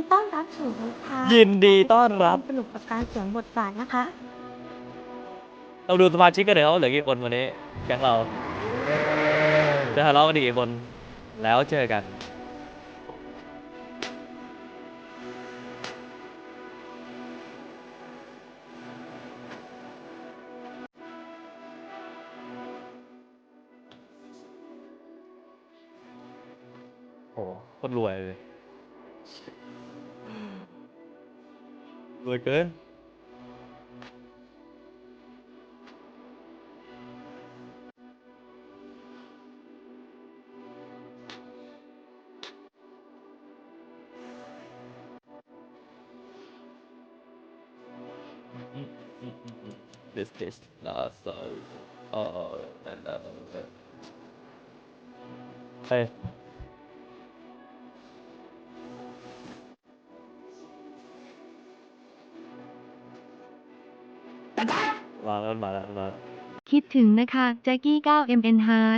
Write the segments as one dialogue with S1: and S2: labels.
S1: ต้อนรับสู่นิทาน
S2: ยินดีต้อนรับ
S1: สนุกกับการสวมบทบาทนะคะ
S2: เราดูสมาชิกกันเดี๋ยวเหลือกี่คนวันนี้แก๊งเราจะทะเลาะกันอีกกี่คนแล้วเจอกันโอ้โคตรรวยเลยรวยเกินthis last and เฮ้ยวางแล้วมาแล้วมา
S1: คิดถึงนะคะแจ็คกี้ 9MN Hard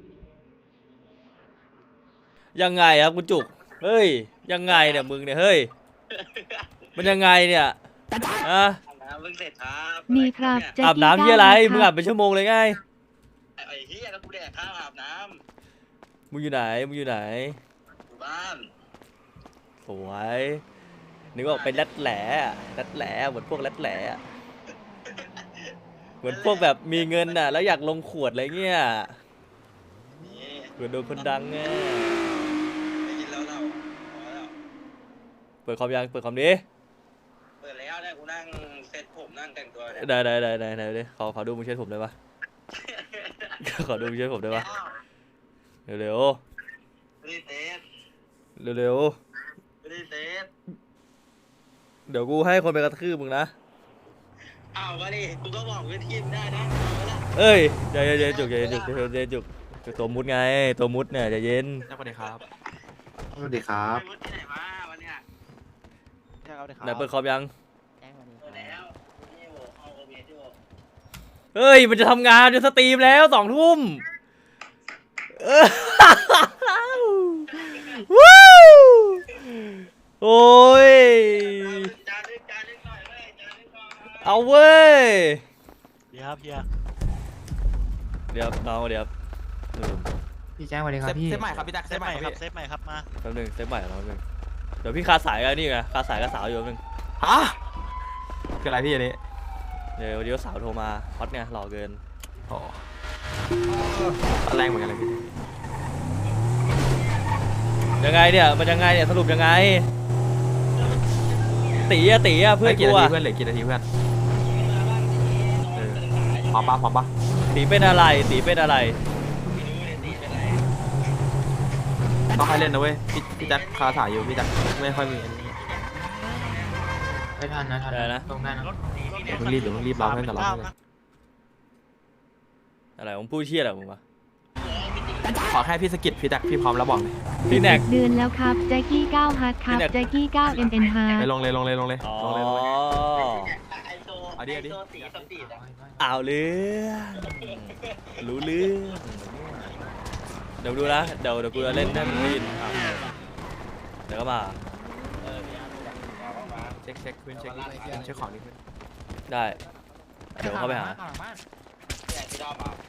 S2: ยังไงครับคุณจุกเฮ้ยยังไงเนี่ยมึงเนี่ยเฮ้ยมันยังไงเนี่ยอะ
S3: อาบน้ำเพิ่งเสร็จครับ
S1: มีครับแจ็ค
S2: อาบ
S1: กี้
S2: น้ำที่อะไร
S1: 9
S2: มึงอาบเป็นชั่วโมงเลยไง
S3: ไอ้เหี้ยแล้วกูแดกข้าวอาบน้
S2: มึงอยู่ไหนมึงอยู่ไหน
S3: ำอยู่บ้าน
S2: สวยนึกว่าเป็นรัดแหล่รัดแหล่เหมือนพวกรัดแหล่เหมือนพวกแบบมีเงินน่ะแล้วอยากลงขวดอะไรเงี้ย
S3: นี่
S2: เผื่อโดนคนดังไง
S3: ไม่กินแล้วเราพอแล้ว
S2: เปิดคอมยังเปิดคอมดิ
S3: เปิดแล้วเนี่ยกูนั่งเซ็ตผมนั่งแต่งตัวเนี่ย
S2: ได้ดิขอดูมึงเช็ดผมได้ปะ ขอดูมึงเช็ดผมได้ปะเร็ว
S3: ไม่ได้เซ็ต
S2: ๆเร็ว
S3: ไม่ได้เซ็ต
S2: ๆเดี๋ยวกูให้คนไปกระทืบมึงนะ
S3: เอามาดิกูก็บอกวิธีมได้นะเอาละ
S2: เอ้ยใจเย็นๆจุกใจเย็นๆจุกตัวมุดไงตัวมุดเนี่ยใจเย็น
S4: สวัสดีครับ
S5: สวัสดีครับ
S3: ไปมุดที่ไหนมาวันเนี้ย
S2: ไหนเปิดคอมยัง
S3: เปิดแล้วนี่โว้เอาโอเบสอยู่
S2: เฮ้ยมันจะทำงานจะสตรีมแล้ว2 ทุ่มเออ วู้โอ้ย
S3: จานนึงหน่อยเว้ยจานนึงหน่อย
S2: เอาเว้ย
S4: เฮียครับเฮีย
S2: เดี๋ยวน้องเดี๋ยว
S5: พี่แจ้งสวัสดีครับพี่
S4: เซฟใหม่ครับพี่ตักเซฟใหม่ครับเซฟใหม่ครับมา
S2: แป๊บนึงเซฟใหม่แล้วแป๊บนึงเดี๋ยวพี่คาสายกันนี่ไงคาสายกับสาวอยู่แป๊บนึง
S4: ฮะคืออะไรพี่อันนี้
S2: เดี๋ยววันนี้สาวโทรมาฮอตไงหล่อเกิน
S4: โอ้แรงเหมือนกันเลยพี่
S2: ยังไงเนี่ยมันยังไงเนี่ยสรุปยังไงตีอะเพื่อน
S4: กี่
S2: กู
S4: นาที
S2: อะ
S4: เพื่อนเหลือกี่นาทีเพื่อนพร้อมปะ
S2: ตีเป็นอะไรตีเป็นอะไร
S4: ต้องให้เล่นนะเว้ยพี่แจ็คคาถ่ายอยู่พี่แจ็คไม่ค่อยมีอันนี้
S5: ไม่ทันนะทัน
S2: ได้นะ
S5: ตรงได้นะ
S4: เดี๋ยวเพิ่งรีบเราให้แต่เราเลย
S2: อะไรผมพูดเชี่ยอะไรมึงวะ
S4: ขอแค่พี่สกิดพี่แจ็คพี่พร้อมแล้วบอกเลย
S2: พี่แน็ก
S1: เดือนแล้วครับแจ็คกี้ 9 Hard ครับ
S2: พี่แน็ก
S1: แจ็คกี้ 9MN
S4: ไป
S1: Hard
S4: ลงเลย
S2: อ๋อ
S3: ไอโซ
S4: เอาดิ
S3: ไอโซสีสปีดอะ
S2: เอาเรื่องรู้เรื่องเดี๋ยวดูนะเดี๋ยวกูจะเล่นให้มึงได้ยินอ่ะเดี๋ยวก็มา
S4: เช็คขึ้นเช็คของนิดนึง
S2: ได้เดี๋ยวเข้าไปหา
S3: เนี่ยที่รอบอ่ะ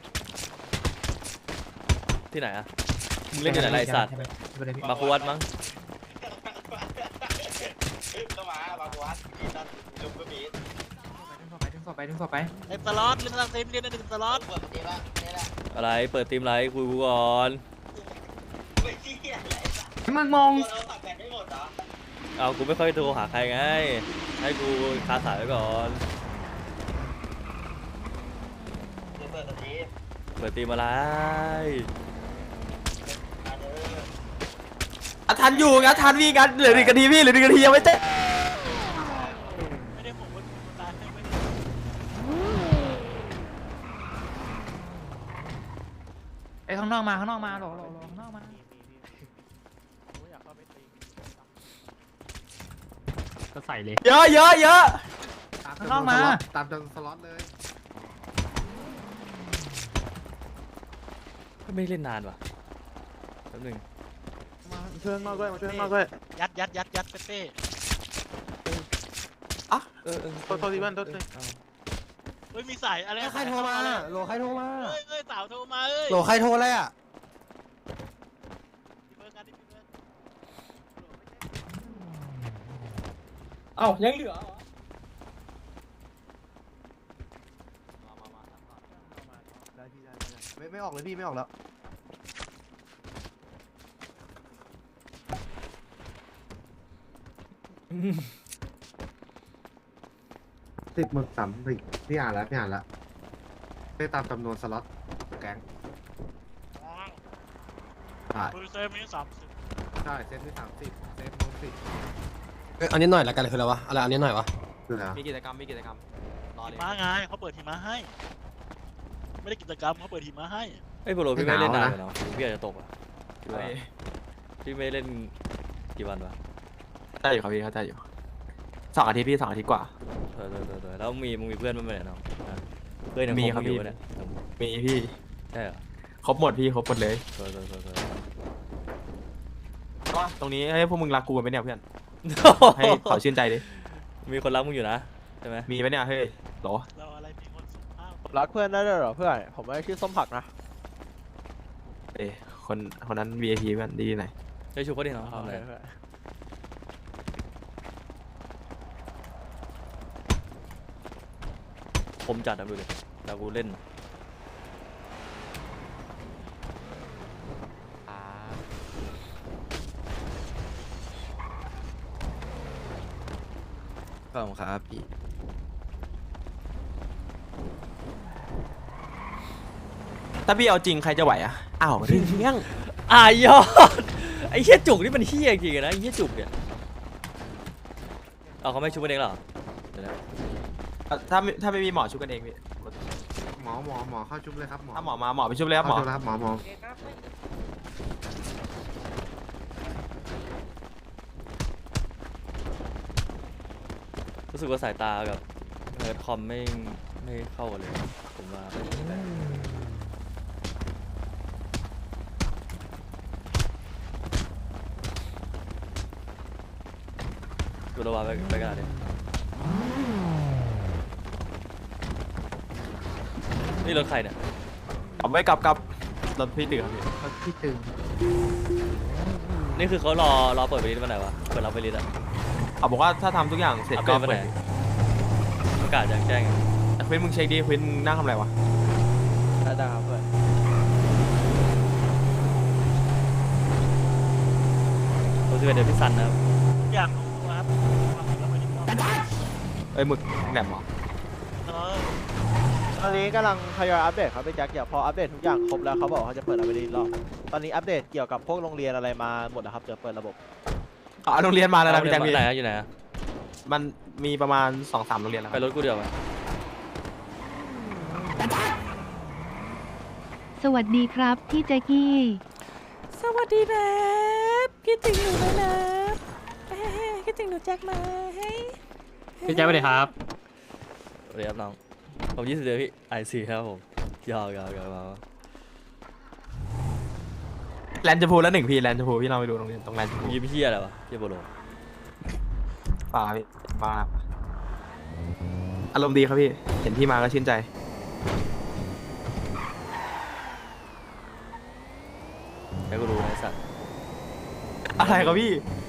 S2: ที่ไหนอะมึงเล่นที่ไหนไรสัตว์มาคุวัดมั้ง
S3: ก็มาบางวัดมีนั่นลุงก็มี
S5: ดึงศพไป
S6: เล่นสล็อตเล่นสล็อตเล่น1 สล็อต
S3: เปิดปกติป่ะนี่แหละ
S2: อะไรเปิดทีมไรคุยกูก่อน
S3: ไม่เที่ยอะไรสัก
S5: มึงมอง
S3: เราตัดแบตไม่หมดเหรอ
S2: เอากูไม่ค่อยโทรหาใครไงให้กูคาสายไว้ก่อน
S3: เปิดสตรีม
S2: เปิดทีมอะไร
S4: ทันอยู่งั้นทันพี่งั้นเหลือ1 นาทีพี่เหลือ1 นาทียังไม่เจ๊
S6: ไม่ได้ผมว่าคุณตายไม่ได้
S5: ไอ้ข้างนอกมาหลอข้างนอกมา
S6: ผมอยากเข้าไปตี
S5: ก็ใส่เลย
S4: เยอะ
S5: ข้างนอกมา
S7: ตามจนสล็อตเลย
S2: ไม่ได้เล่นนานว่ะแป๊บนึง
S4: ช่วยข้างนอกด้วยมาช่วยข้างนอกด้วย
S6: ยัดเป้
S4: โทษทีเพื่อนโทษที
S6: เฮ้ยมีสายอะไร
S7: ใครโทรมาโหลใครโทรมา
S6: เฮ้ยสาวโทรมาเอ้ย
S7: โหลใครโทรอะไรอ่ะ
S8: เอ้ายังเหลือเหรอ
S7: ไม่ออกเลยพี่ไม่ออกแล้ว10 หมึก 30พี่อ่านแล้วได้ตามจำนวนสล็อตแก๊งใช่
S6: คุยเซฟนี้30
S7: ใช่เซฟที่30เซฟโน้ต10
S8: อันนี้หน่อยละกันคืออะไรวะอะไรอันนี้หน่อยวะ
S7: คืออะไร
S4: มีกิจกรรมรอเลย
S6: หิมะไงเขาเปิดหิมะให้ ไม่ได้กิจกรรมเขาเปิดหิมะให้
S2: ไอ้ยโปรโลพี่ไม่เล่นนานเลยเนาะพี่อาจจะตกอ่ะคิดว่า
S4: เอ้ย
S2: พี่ไม่เล่นกี่วันวะ
S4: ได้อยู่ครับพี่เข้าใจอยู่2 อาทิตย์พี่2 อาทิตย์กว่า
S2: แล้วมึงมีเพื่อนบ้างไหมเนี่ยน้องอ่ะเพื่อนยัง
S4: มี
S2: ค
S4: ครับ
S2: บอยู่
S4: พี่
S2: ปะเนี่ย
S4: มีพี่
S2: ใช่เหรอ
S4: ครบหมดพี่ครบหมดเลย
S2: เออ
S4: ก็ตรงนี้ให้พวกมึงรักกูกันไหมเนี่ยเพื่อนให้เขาชื่นใจดิ
S2: มีคนรักมึงอยู่นะใช่ไหม
S4: มีไหมเนี่ยเฮ้ยหรอ
S6: เราอะไรมีคนสุภาพ
S9: รักเพื่อนได้ด้วยเหรอเพื่อนผมไม่ได้ชื่อส้มผักนะ
S4: เอ้ยคนนั้น VIP เพื่อนดีไหน
S2: ได้ชูเขาดิน้องทำอะไร
S9: เพื่อน
S2: ผมจัดนะดูดิแต่กูเล่น
S4: ขอบคุณครับพี่ถ้าพี่เอาจริงใครจะไหวอ่ะอ้าวเรื่อง
S2: ยอดไอ้เหี้ยจุกนี่มันเหี้ยจริงๆนะไอ้เหี้ยจุกเนี่ยเอาเขาไม่ชูกันเองเหรอเดี๋ยวนะ
S4: ถ้าไม่มีหมอชุบกันเองพี่
S7: หมอเข้าชุบเลยครับหมอ
S4: ถ้าหมอมาหมอไปชุบเลยครับหมอ
S7: เข้าชุบแล้วครับหมอ
S2: รู้สึกว่าสายตากับเฮิร์ตคอมไม่เข้ากันเลยผมว่ากูระวังไปกันดินี่รถใครเนี่ย
S4: กลับไว้กลับรถพี่ตื่นครับพี่
S7: พี่ตึง
S2: นี่คือเขารอเปิดไปลิสต์วันไหนวะเปิดรับไปลิสต์อะ
S4: เขาบอกว่าถ้าทำทุกอย่างเสร็จ
S2: อัป
S4: ก็
S2: เดตวันไห
S4: เปิ
S2: น
S4: ด
S2: ประกาศแจ้ง
S4: แต่ควินมึงเช็คดิควินมึงนั่งทำอะไรวะ
S9: ได้ครับเพื่อน
S2: ผมจะเป็นเดยวพี่ซันนะครับ
S6: อยากรู้ครับความจริงแล้วไม่ได้มอง
S4: เอ้ยหมึกแหลมเหรอ
S9: ตอนนี้กำลังทยอยอัปเดตครับพี่แจ็คเดี๋ยวพออัปเดตทุกอย่างครบแล้วเขาบอกเขาจะเปิดอะไรรอบตอนนี้อัปเดตเกี่ยวกับพวกโรงเรียนอะไรมาหมดแล้วครับเดี๋ยวเปิดระบบ
S4: อ๋อโรงเรียนมาแล้วนะพี่แจ็คพี่
S2: ไหนอะอยู่ไหนอะ
S4: มันมีประมาณ 2-3 โรงเรียนแล้วค
S2: ไป
S4: รับ
S2: รถกูเดียวไหม
S1: สวัสดีครับพี่แจ็กกี้
S10: สวัสดีนะคิดถึงหนูไหมนะคิดถึงหนูแจ็คไหม
S5: พี่แจ็คไปเลยครับ
S2: สวัสดีครับน้องผม20เดือนพี่ICครับผมยาวมา
S4: แลนด์ชมพูแล้ว1พี่แลนด์ชมพูพี่เราไปดูโรงเรียนตรงแลนด์ชมพู
S2: ยิ้มเฮียอะไรวะเฮียโบโล
S4: ป่าพี่มาอารมณ์ดีครับพี่เห็นพี่มาก็ชื่นใจ
S2: ให้กูรู้นะไอ้สัตว์
S4: อะไรครับพี่